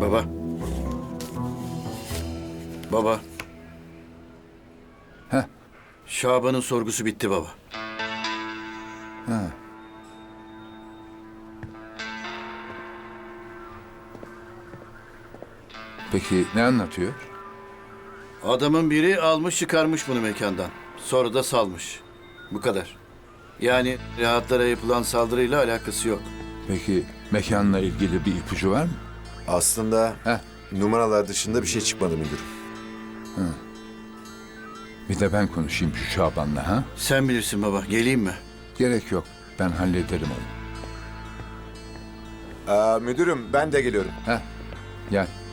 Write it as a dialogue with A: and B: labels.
A: Baba. Baba.
B: Heh.
A: Şaban'ın sorgusu bitti baba.
B: Ha. Peki ne anlatıyor?
A: Adamın biri almış çıkarmış bunu mekandan. Sonra da salmış. Bu kadar. Yani rahatlara yapılan saldırıyla alakası yok.
B: Peki mekanla ilgili bir ipucu var mı?
C: Aslında
B: Heh.
C: numaralar dışında bir şey çıkmadı müdürüm.
B: Bir de ben konuşayım şu Şaban'la ha?
A: Sen bilirsin baba. Geleyim mi?
B: Gerek yok. Ben hallederim onu.
C: Müdürüm ben de geliyorum.
B: Gel.